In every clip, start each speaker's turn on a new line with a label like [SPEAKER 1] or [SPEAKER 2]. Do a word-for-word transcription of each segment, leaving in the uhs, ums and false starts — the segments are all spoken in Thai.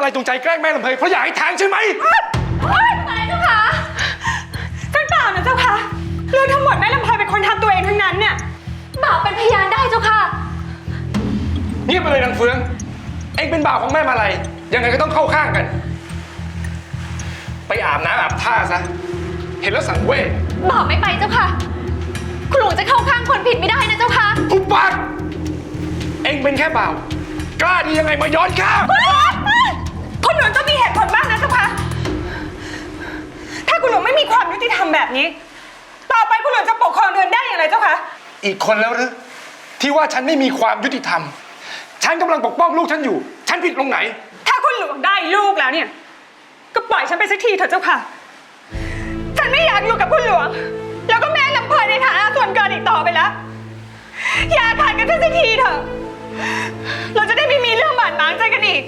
[SPEAKER 1] อะไรจงใจแกล้งแม่ลำเพยเพราะอยากให้แทงใช่ไหม
[SPEAKER 2] อะไรเจ้าคะท่านเปล่านะเจ้าค่ะเรื่องทั้งหมดแม่ลำเพยเป็นคนทำตัวเองทั้งนั้นเนี่ยบ่าวเป็นพยานได้เจ้าค่ะ
[SPEAKER 1] เงียบไปเลยนางเฟืองเอ็งเป็นบ่าวของแม่มาลัยยังไงก็ต้องเข้าข้างกันไปอาบน้ำอาบท่าซะเห็นแล้วสังเวช
[SPEAKER 2] บ่าวไม่ไปเจ้าค่ะคุณหลวงจะเข้าข้างคนผิดไม่ได้นะเจ้าค่ะ
[SPEAKER 1] ทุบปากเอ็งเป็นแค่บ่าวกล้าดียังไงมาย้อนข้าม
[SPEAKER 2] คุณหลวงต้องมีเหตุผลบ้างนะเจ้าค่ะถ้าคุณหลวงไม่มีความยุติธรรมแบบนี้ต่อไปคุณหลวงจะปกครองเดือนได้อย่างไรเจ้าคะ
[SPEAKER 1] อีกคนแล้วหรือที่ว่าฉันไม่มีความยุติธรรมฉันกำลังปกป้องลูกฉันอยู่ฉันผิดตรงไหน
[SPEAKER 2] ถ้าคุณหลวงได้ลูกแล้วเนี่ยก็ปล่อยฉันไปสักทีเถอะเจ้าค่ะฉันไม่อยากอยู่กับคุณหลวงแล้วก็แม่ลำเพยในฐานะส่วนเกินอีกต่อไปแล้วอย่าขาดกันสักทีเถอะเราจะได้ไม่มีเรื่องบาดหมางใจกันอีก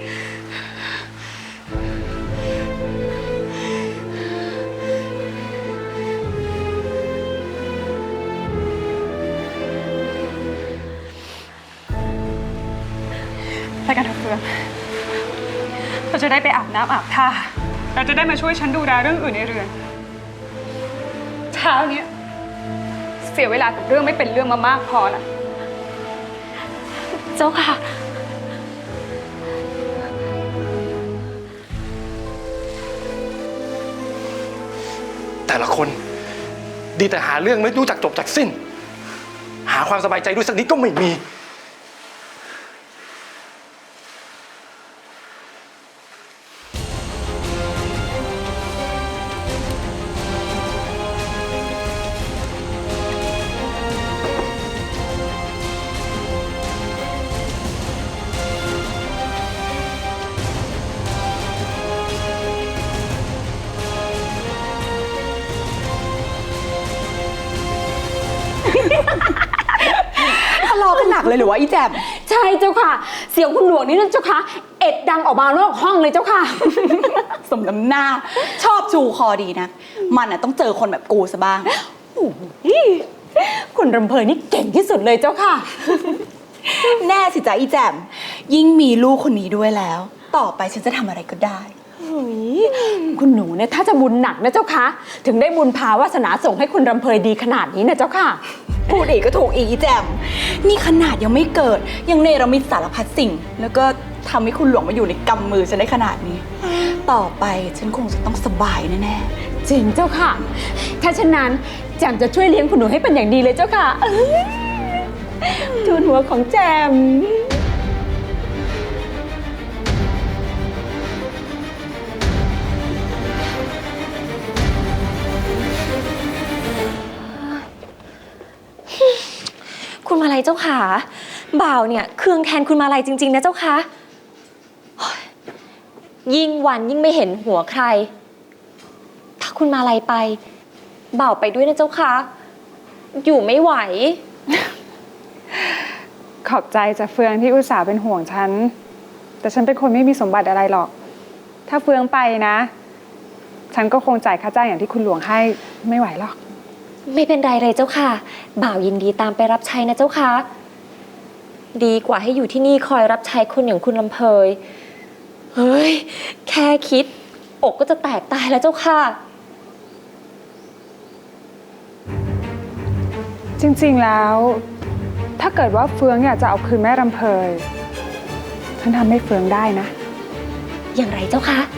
[SPEAKER 2] ไปกันเถอะเฟืองเราจะได้ไปอาบน้ำอาบท่าเราจะได้มาช่วยฉันดูแลเรื่องอื่นในเรือนเช้าเนี้ยเสียเวลากับเรื่องไม่เป็นเรื่องมามากพอละเจ้าค่ะ
[SPEAKER 1] แต่ละคนดีแต่หาเรื่องไม่รู้จักจบจักสิ้นหาความสบายใจด้วยสักนิดก็ไม่มี
[SPEAKER 3] ทะเลาะกันหนักเลยหรือว่าอีแจ่ม
[SPEAKER 4] ใช่เจ้าค่ะเสียงคุณหลวงนี่นั่นเจ้าค่ะเอ็ดดังออกมานอกห้องเลยเจ้าค่ะ
[SPEAKER 3] สมน้ำหน้าชอบชูคอดีนะมันอ่ะต้องเจอคนแบบกูซะบ้าง
[SPEAKER 4] คุณรำเพยนี่เก่งที่สุดเลยเจ้าค่ะ
[SPEAKER 3] แน่สิจ๊ะอีแจ่มยิ่งมีลูกคนนี้ด้วยแล้ว ต่อไปฉันจะทำอะไรก็ได้
[SPEAKER 4] คุณหนูเนี่ยถ้าจะบุญหนักนะเจ้าค่ะถึงได้บุญพาวาสนาส่งให้คุณรำเพยดีขนาดนี้นะเจ้าค่ะ
[SPEAKER 3] พูดอีกก็ถูกอีกอีแจ่มนี่ขนาดยังไม่เกิดยังเนรมิตสารพัดสิ่งแล้วก็ทำให้คุณหลวงมาอยู่ในกำมือฉันได้ขนาดนี้ต่อไปฉันคงจะต้องสบายแน่
[SPEAKER 4] ๆจริงเจ้าค่ะถ้าฉะนั้นแจมจะช่วยเลี้ยงคุณหนูให้เป็นอย่างดีเลยเจ้าค่ะทูลหัวของแจม
[SPEAKER 2] คุณมาลัยเจ้าขาบ่าวเนี่ยเคืองแทนคุณมาลัยจริงๆนะเจ้าคะยิ่งวันยิ่งไม่เห็นหัวใครถ้าคุณมาลัยไปบ่าวไปด้วยนะเจ้าคะอยู่ไม่ไหว
[SPEAKER 5] ขอบใจจะเฟืองที่อุตส่าห์เป็นห่วงฉันแต่ฉันเป็นคนไม่มีสมบัติอะไรหรอกถ้าเฟืองไปนะฉันก็คงจ่ายค่าจ้างอย่างที่คุณหลวงให้ไม่ไหวหรอก
[SPEAKER 2] ไม่เป็นไรเลยเจ้าค่ะบ่าวยินดีตามไปรับใช้นะเจ้าค่ะดีกว่าให้อยู่ที่นี่คอยรับใช้คนอย่างคุณลำเพยเฮ้ยแค่คิดอกก็จะแตกตายแล้วเจ้าค่ะ
[SPEAKER 5] จริงๆแล้วถ้าเกิดว่าเฟืองอยากจะเอาคืนแม่ลำเพยฉันทำให้เฟืองได้นะ
[SPEAKER 2] อย่างไรเจ้าคะ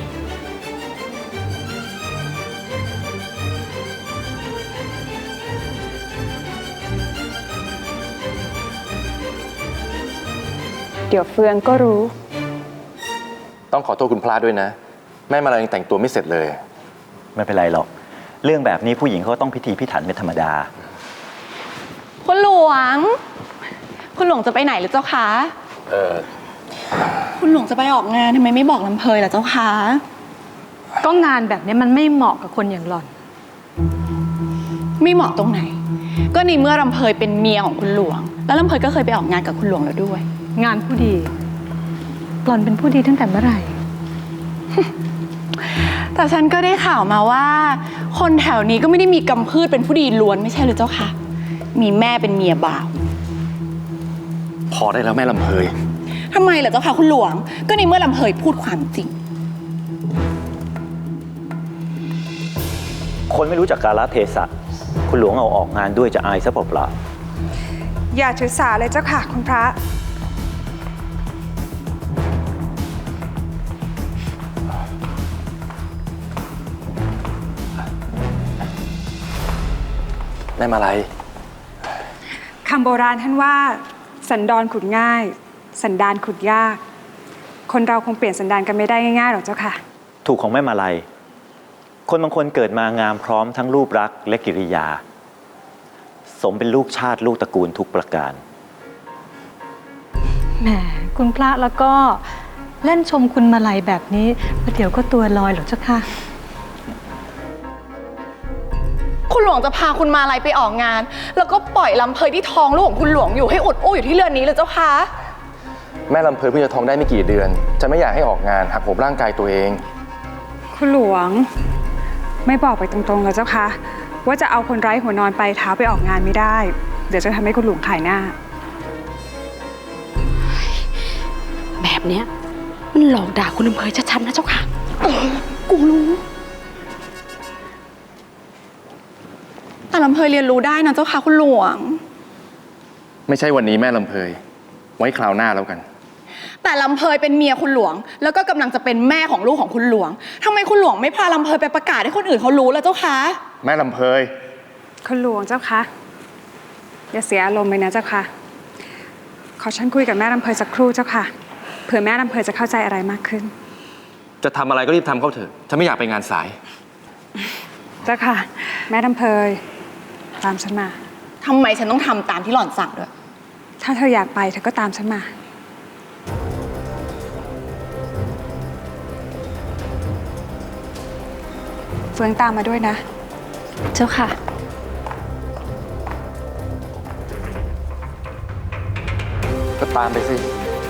[SPEAKER 5] เดี๋ยวเฟืองก็รู้
[SPEAKER 6] ต้องขอโทษคุณพระด้วยนะแม่มาลัยยังแต่งตัวไม่เสร็จเลย
[SPEAKER 7] ไม่เป็นไรหรอกเรื่องแบบนี้ผู้หญิงเขาต้องพิธีพิถันเป็นธรรมดา
[SPEAKER 3] คุณหลวงคุณหลวงจะไปไหนหรือเจ้าคะ
[SPEAKER 6] เออ
[SPEAKER 3] คุณหลวงจะไปออกงานทำไมไม่บอกลำเพยล่ะเจ้าคะ
[SPEAKER 4] ก็งานแบบนี้มันไม่เหมาะกับคนอย่างหล่อน
[SPEAKER 3] ไม่เหมาะตรงไหนก็ในเมื่อลำเพยเป็นเมียของคุณหลวงแล้วลำเพยก็เคยไปออกงานกับคุณหลวงแล้วด้วย
[SPEAKER 4] งานผู้ดีหล่อนเป็นผู้ดีตั้งแต่เมื่อไหร่
[SPEAKER 3] แต่ฉันก็ได้ข่าวมาว่าคนแถวนี้ก็ไม่ได้มีกำพืชเป็นผู้ดีล้วนไม่ใช่หรือเจ้าคะมีแม่เป็นเมียบ่าว
[SPEAKER 6] พอได้แล้วแม่ลำเพย
[SPEAKER 3] ทำไมล่ะเจ้าคะคุณหลวงก็ในเมื่อลำเพยพูดความจริง
[SPEAKER 7] คนไม่รู้จักกาลเทศะคุณหลวงเอาออกงานด้วยจะอายซะเปล่า
[SPEAKER 5] อย่าถือสาเลยเจ้าค่ะ คุณพระ
[SPEAKER 6] แม่มาลัย
[SPEAKER 5] คำโบราณท่านว่า สันดอนขุดง่าย สันดานขุดยาก คนเราคงเปลี่ยนสันดานกันไม่ได้ง่ายๆหรอกเจ้าค่ะ
[SPEAKER 7] ๆถูกของแม่มาลัย คนบางคนเกิดมางามพร้อมทั้งรูปลักษณ์และกิริยา สมเป็นลูกชาติลูกตระกูลทุกประการ
[SPEAKER 8] แหมคุณพระแล้วก็เล่นชมคุณมาลัยแบบนี้ประเดี๋ยวก็ตัวลอยหรอกเจ้าค่ะ
[SPEAKER 3] คุณหลวงจะพาคุณมาลัยไปออกงาน แล้วก็ปล่อยลำเพยที่ท้องลูกของคุณหลวงอยู่ให้อุดอู้อยู่ที่เรือนนี้เลยเจ้าคะ
[SPEAKER 6] แม่ลำเพยเพิ่งจะท้องได้ไม่กี่เดือน จะไม่อยากให้ออกงานหักโหมร่างกายตัวเอง
[SPEAKER 5] คุณหลวงไม่บอกไปตรงๆเลยเจ้าค่ะ ว่าจะเอาคนไร้หัวนอนไปเท้าไปออกงานไม่ได้ เดี๋ยวจะทำให้คุณหลวงขายหน้า
[SPEAKER 4] แบบเนี้ยมันหลอกด่าคุณอำเภอชัดๆนะเจ้าค่ะ
[SPEAKER 3] กูรู้แต่ลำเพยเรียนรู้ได้นะเจ้าค่ะคุณหลวง
[SPEAKER 6] ไม่ใช่วันนี้แม่ลำเพย ไว้คราวหน้าแล้วกัน
[SPEAKER 3] แต่ลำเพยเป็นเมียคุณหลวง แล้วก็กำลังจะเป็นแม่ของลูกของคุณหลวงทำไมคุณหลวงไม่พาลำเพยไปประกาศให้คนอื่นเขารู้ล่ะเจ้าคะ
[SPEAKER 6] แม่ลำเพย
[SPEAKER 5] คุณหลวงเจ้าคะอย่าเสียอารมณ์เลยนะเจ้าค่ะขอฉันคุยกับแม่ลำเพยสักครู่เจ้าค่ะเผื่อแม่ลำเพยจะเข้าใจอะไรมากขึ้น
[SPEAKER 6] จะทำอะไรก็รีบทำเข้าเถอะฉันไม่อยากไปงานสาย
[SPEAKER 5] เจ้าค่ะ แม่ลำเพยตามฉันมา
[SPEAKER 3] ทำไมฉันต้องทำตามที่หล่อนสั่งด้วย
[SPEAKER 5] ถ้าเธออยากไปเธอก็ตามฉันมาเฟืองตามมาด้วยนะ
[SPEAKER 8] เจ้าค่ะ
[SPEAKER 6] ก็ตามไปสิ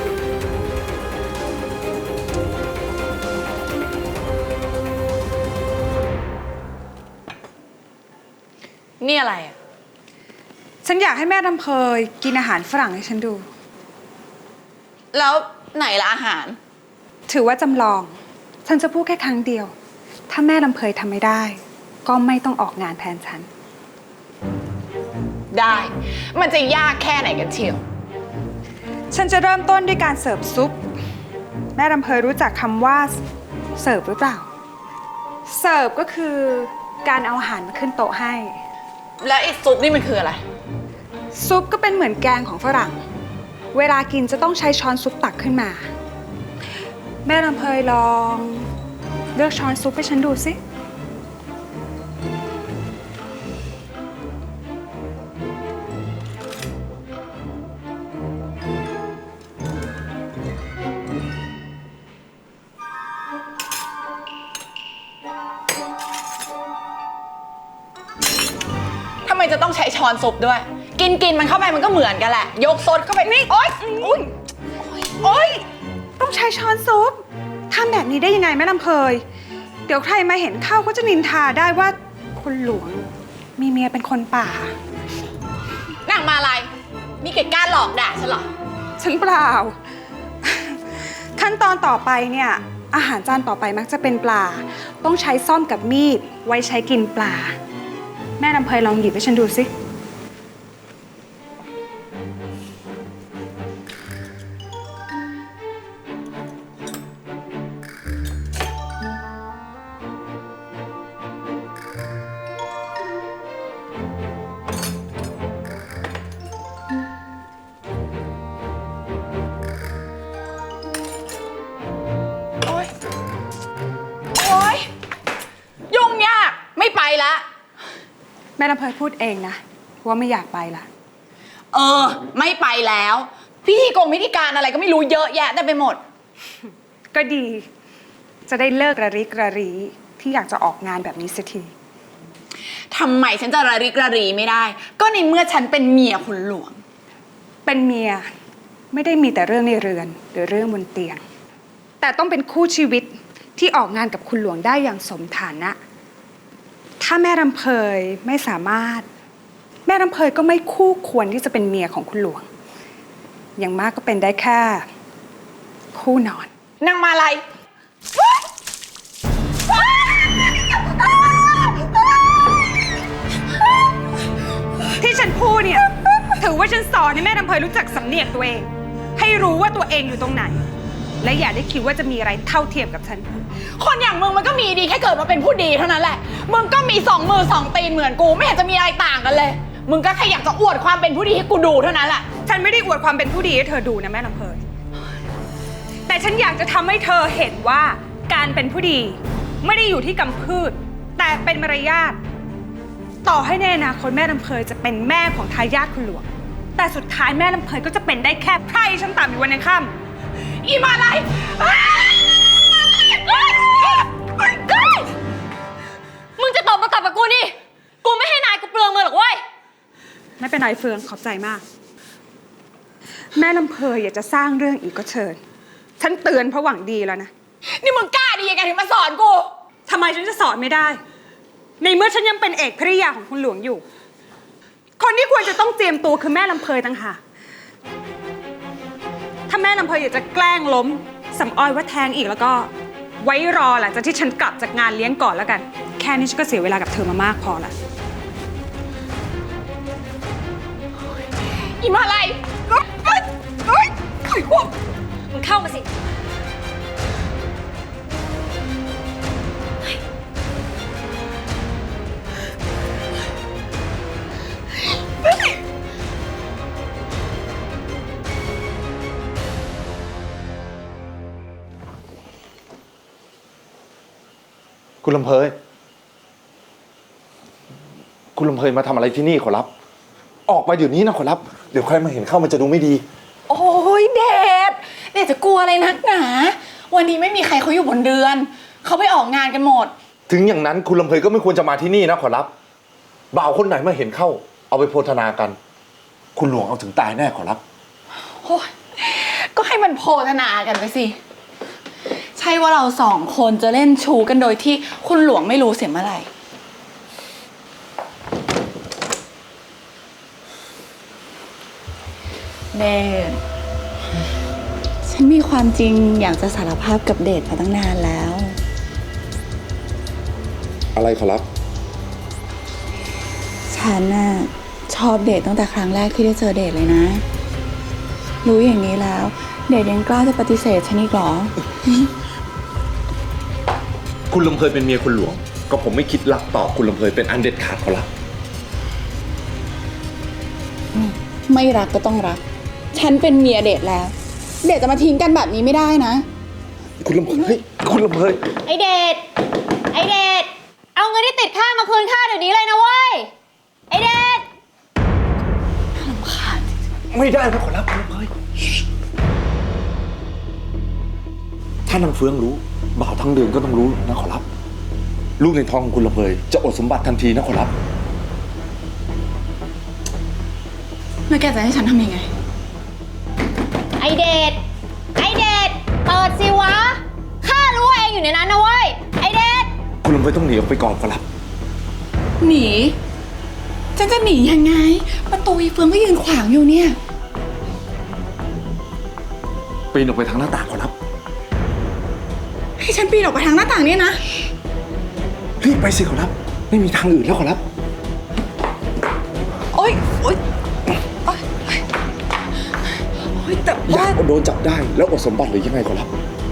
[SPEAKER 3] นี่อะไรอะ
[SPEAKER 5] ฉันอยากให้แม่ลำเพยกินอาหารฝรั่งให้ฉันดู
[SPEAKER 3] แล้วไหนละอาหาร
[SPEAKER 5] ถือว่าจำลอง ฉันจะพูดแค่ครั้งเดียว ถ้าแม่ลำเพยทำไม่ได้ ก็ไม่ต้องออกงานแทนฉัน
[SPEAKER 3] ได้ มันจะยากแค่ไหนกันเชียว
[SPEAKER 5] ฉันจะเริ่มต้นด้วยการเสิร์ฟซุป แม่ลำเพยรู้จักคำว่าเสิร์ฟหรือเปล่า เสิร์ฟก็คือการเอาอาหารมาขึ้นโต๊ะให้
[SPEAKER 3] แล้วไอ้ซุปนี่มันคืออะไร
[SPEAKER 5] ซุปก็เป็นเหมือนแกงของฝรั่ง เวลากินจะต้องใช้ช้อนซุปตักขึ้นมา แม่ลำเพยลองเลือกช้อนซุปให้ฉันดูสิ
[SPEAKER 3] ทำไมจะต้องใช้ช้อนซุปด้วย กินกินมันเข้าไปมันก็เหมือนกันแหละ ยกซดเข้าไปนี่โอ๊ยอุ๊ยโอ๊ย
[SPEAKER 5] ต้องใช้ช้อนซุปทำแบบนี้ได้ยังไงแม่ลำเพย เดี๋ยวใครมาเห็นเข้าก็จะนินทาได้ว่าคุณหลวงมีเมียเป็นคนป่า
[SPEAKER 3] นางมาลายนี่แกกล้าหลอกด่าฉันเหรอ
[SPEAKER 5] ฉันเปล่า ขั้นตอนต่อไปเนี่ย อาหารจานต่อไปมักจะเป็นปลา ต้องใช้ซ่อมกับมีด ไว้ใช้กินปลา แม่ลำเพยลองหยิบให้ฉันดูสิ
[SPEAKER 3] โอ๊ย โอ๊ย ยุ่งยาก ไม่ไปละ
[SPEAKER 5] แม่ลำเพยพูดเองนะว่าไม่อยากไปละ
[SPEAKER 3] เออ ไม่ไปแล้ว พิธีกงพิธีการอะไรก็ไม่รู้เยอะแยะได้ไปหมด
[SPEAKER 5] ก็ดี จะได้เลิกระริกระรีที่อยากจะออกงานแบบนี้สักที
[SPEAKER 3] ทำไมฉันจะระริกระรีไม่ได้ ก็ในเมื่อฉันเป็นเมียคุณหลวง
[SPEAKER 5] เป็นเมียไม่ได้มีแต่เรื่องในเรือนหรือเรื่องบนเตียง แต่ต้องเป็นคู่ชีวิตที่ออกงานกับคุณหลวงได้อย่างสมฐานะ ถ้าแม่รำเพยไม่สามารถ แม่รำเพยก็ไม่คู่ควรที่จะเป็นเมียของคุณหลวง อย่างมากก็เป็นได้แค่ คู่นอน
[SPEAKER 3] นางมาลัย
[SPEAKER 5] พูดเนี่ย ถือว่าฉันสอนให้แม่ลำเพยรู้จักสำเนียกตัวเอง ให้รู้ว่าตัวเองอยู่ตรงไหน และอย่าได้คิดว่าจะมีอะไรเท่าเทียมกับฉัน
[SPEAKER 3] คนอย่างมึงมันก็มีดีแค่เกิดมาเป็นผู้ดีเท่านั้นแหละ มึงก็มีสองมือสองตีนเหมือนกูไม่เห็นจะมีอะไรต่างกันเลย มึงก็แค่อยากจะอวดความเป็นผู้ดีให้กูดูเท่านั้นแหละ
[SPEAKER 5] ฉันไม่ได้อวดความเป็นผู้ดีให้เธอดูนะแม่ลำเพยแต่ฉันอยากจะทำให้เธอเห็นว่าการเป็นผู้ดีไม่ได้อยู่ที่กำพืช แต่เป็นมารยาท ต่อให้ในอนาคตแม่ลำเพยจะเป็นแม่ของทายาทคุณหลวง แต่สุดท้ายแม่ลำเพยก็จะเป็นได้แค่ไพร่ชั้นต่ำอยู่วันยังค่ำ
[SPEAKER 3] อีมาอะไรมึงจะตบมาตับกับกูนี่ กูไม่ให้นายกูเปลืองมือหรอกเว้ย
[SPEAKER 5] ไม่เป็นไรเฟืองขอบใจมาก แม่ลำเพยอยากจะสร้างเรื่องอีกก็เชิญ ฉันเตือนเพราะหวังดีแล้วนะ
[SPEAKER 3] นี่มึงกล้าดียังไงถึงมาสอนกู
[SPEAKER 5] ทำไมฉันจะสอนไม่ได้ ในเมื่อฉันยังเป็นเอกภริยาของคุณหลวงอยู่ คนที่ควรจะต้องเตรียมตัวคือแม่ลำเพยต่างหากถ้าแม่ลำเพยอยากจะแกล้งล้มสำออยว่าแทงอีกแล้วก็ ไว้รอหลังจากที่ฉันกลับจากงานเลี้ยงก่อนแล้วกัน แค่นี้ฉันก็เสียเวลากับเธอมามากพอละ
[SPEAKER 3] อีมาอะไรมึงเข้ามาสิ
[SPEAKER 6] คุณลำเพย คุณลำเพยมาทำอะไรที่นี่ขอรับ ออกไปเดี๋ยวนี้นะขอรับ เดี๋ยวใครมาเห็นเข้ามันจะดูไม่ดี
[SPEAKER 3] โอ้ยเดชเดชจะกลัวอะไรนักหนา วันนี้ไม่มีใครเขาอยู่บนเรือน เขาไปออกงานกันหมด
[SPEAKER 6] ถึงอย่างนั้นคุณลำเพยก็ไม่ควรจะมาที่นี่นะขอรับ บ่าวคนไหนมาเห็นเข้า เอาไปโพธนากัน คุณหลวงเอาถึงตายแน่ขอรับ
[SPEAKER 3] โอ้ยก็ให้มันโพธนากันไปสิ ใช่ว่าเราสองคนจะเล่นชูกันโดยที่คุณหลวงไม่รู้เสียเมื่อไหร่เดชฉันมีความจริงอยากจะสารภาพกับเดชมาตั้งนานแล้ว
[SPEAKER 6] อะไรขอรับ
[SPEAKER 3] ฉันน่ะชอบเดทตั้งแต่ครั้งแรกที่ได้เจอเดทเลยนะ รู้อย่างนี้แล้ว เดทยังกล้าจะปฏิเสธฉันอีกเหรอ
[SPEAKER 6] คุณลำเพยเป็นเมียคุณหลวง ก็ผมไม่คิดรักต่อคุณลำเพยเป็นอันเด็ดขาดขอรับ
[SPEAKER 3] ไม่รักก็ต้องรัก ฉันเป็นเมียเดทแล้ว เดทจะมาทิ้งกันแบบนี้ไม่ได้นะ
[SPEAKER 6] คุณลำเพยคุณลำเพย
[SPEAKER 9] ไอเดชไอเดชเอาเงินที่ติดค่ามาคืนค่าเดี๋ยวนี้เลยนะเว้ย ไอเดช
[SPEAKER 6] ไม่ได้นะขอรับคุณลำเพยถ้านางเฟืองรู้ บ่าวทั้งเดือนก็ต้องรู้นะขอรับ ลูกในท้องของคุณลำเพยจะอดสมบัติทันทีนะขอรับ
[SPEAKER 3] แล้วแกจะให้ฉันทำยังไง
[SPEAKER 9] ไอเดชไอเดชเปิดสิวะ ข้ารู้ว่าเองอยู่ในนั้นนะเว้ย ไอเดช
[SPEAKER 6] คุณลำเพยต้องหนีออกไปก่อนขอรับ
[SPEAKER 3] หนี ฉันจะหนียังไง ประตูอีเฟืองก็ยืนขวางอยู่เนี่ย
[SPEAKER 6] ปีนออกไปทางหน้าต่างขอรับ
[SPEAKER 3] ให้ฉันปีนออกไปทางหน้าต่างเนี่ยนะ
[SPEAKER 6] รีบไปสิขอรับ ไม่มีทางอื่นแล้วขอรับ
[SPEAKER 3] โอ๊ย โอ๊ย โอ๊ย โอ๊ย แต่
[SPEAKER 6] อยา
[SPEAKER 3] ว่าก
[SPEAKER 6] โดนจับได้แล้วอดสมบัติหรือยังไงขอรับ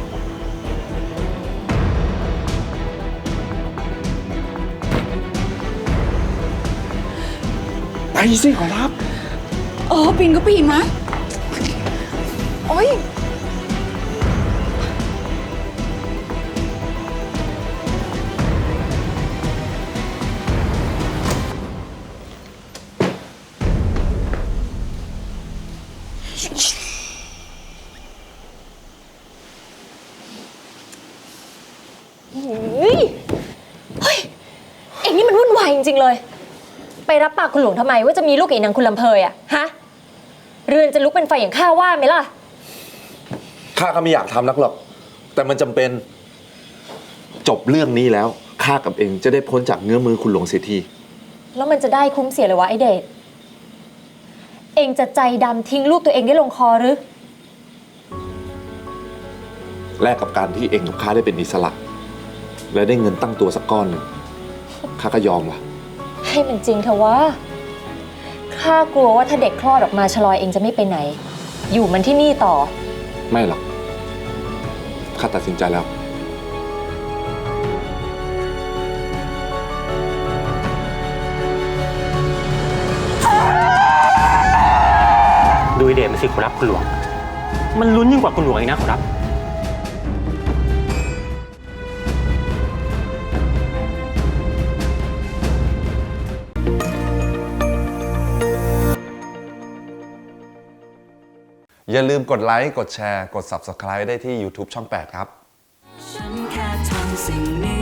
[SPEAKER 6] ไปสิขอรับ
[SPEAKER 3] เออปีนก็ปีนนะโอ๊ย
[SPEAKER 9] เฮ้ย เฮ้ย เองนี่มันวุ่นวายจริงๆเลย ไปรับปากคุณหลวงทำไมว่าจะมีลูกกับอีนางคุณลำเพยอะฮะ เรือนจะลุกเป็นไฟอย่างข้าว่าไหมล่ะ
[SPEAKER 6] ข้าก็ไม่อยากทำนักหรอก แต่มันจำเป็น จบเรื่องนี้แล้ว ข้ากับเองจะได้พ้นจากเงื้อมือคุณหลวงเสียที
[SPEAKER 9] แล้วมันจะได้คุ้มเสียเลยวะไอเดช เองจะใจดำทิ้งลูกตัวเองได้ลงคอหรือ
[SPEAKER 6] แลกกับการที่เองกับข้าได้เป็นอิสระ และได้เงินตั้งตัวสักก้อนหนึ่งข้าก็ยอมล่ะ
[SPEAKER 9] ให้มันจริงเถอะวะ ใคข้ากลัวว่าถ้าเด็กคลอดออกมาชลอยเองจะไม่ไปไหน อยู่มันที่นี่ต่อ
[SPEAKER 6] ไม่หรอก ข้าตัดสินใจแล้ว
[SPEAKER 10] ดูไอเดชมันสิขอรับคุณหลวง มันลุ้นยิ่งกว่าคุณหลวงอีกนะขอรับ
[SPEAKER 6] อย่าลืมกดไลค์ กดแชร์ กด ซับสไครบ์ ได้ที่ ยูทูบ ช่อง แปด ครับ
[SPEAKER 11] ฉันแค่ทำสิ่งนี้